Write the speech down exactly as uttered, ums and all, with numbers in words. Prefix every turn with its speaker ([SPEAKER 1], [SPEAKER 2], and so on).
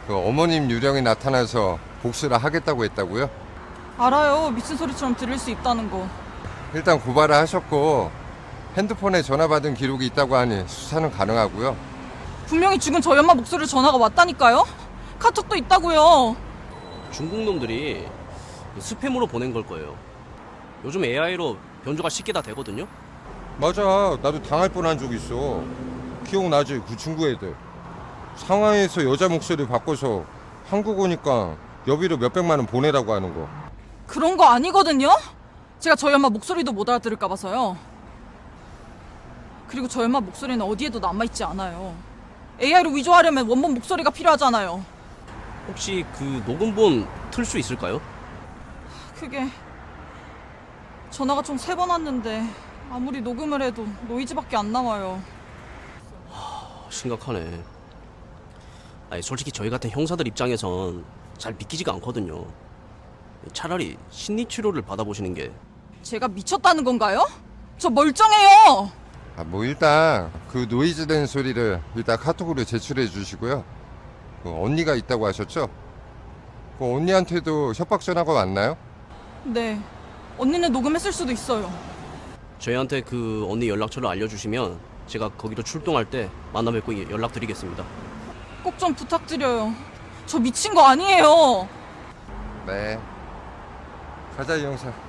[SPEAKER 1] 그 어머님 유령이 나타나서 복수를 하겠다고 했다고요?
[SPEAKER 2] 알아요. 미친 소리처럼 들릴 수 있다는 거.
[SPEAKER 1] 일단 고발을 하셨고 핸드폰에 전화 받은 기록이 있다고 하니 수사는 가능하고요.
[SPEAKER 2] 분명히 죽은 저희 엄마 목소리 전화가 왔다니까요? 카톡도 있다고요.
[SPEAKER 3] 중국 놈들이 스팸으로 보낸 걸 거예요. 요즘 에이아이로 변조가 쉽게 다 되거든요.
[SPEAKER 1] 맞아, 나도 당할 뻔한 적 있어. 기억나지? 그 중국 애들 상하이에서 여자 목소리 바꿔서 한국 오니까 여비로 몇백만 원 보내라고 하는 거.
[SPEAKER 2] 그런 거 아니거든요? 제가 저희 엄마 목소리도 못 알아들을까 봐서요. 그리고 저희 엄마 목소리는 어디에도 남아있지 않아요. 에이아이로 위조하려면 원본 목소리가 필요하잖아요.
[SPEAKER 3] 혹시 그 녹음본 틀 수 있을까요?
[SPEAKER 2] 그게 전화가 총 세 번 왔는데 아무리 녹음을 해도 노이즈밖에 안 나와요.
[SPEAKER 3] 어, 심각하네. 아니, 솔직히 저희 같은 형사들 입장에선 잘 믿기지가 않거든요. 차라리 심리치료를 받아보시는 게.
[SPEAKER 2] 제가 미쳤다는 건가요? 저 멀쩡해요.
[SPEAKER 1] 아, 뭐 일단 그 노이즈 된 소리를 일단 카톡으로 제출해 주시고요. 그 언니가 있다고 하셨죠? 그 언니한테도 협박 전화가 왔나요?
[SPEAKER 2] 네, 언니는 녹음했을 수도 있어요.
[SPEAKER 3] 저희한테 그 언니 연락처를 알려주시면 제가 거기로 출동할 때 만나 뵙고 연락드리겠습니다.
[SPEAKER 2] 꼭 좀 부탁드려요. 저 미친 거 아니에요.
[SPEAKER 1] 네. 가자 이 형사.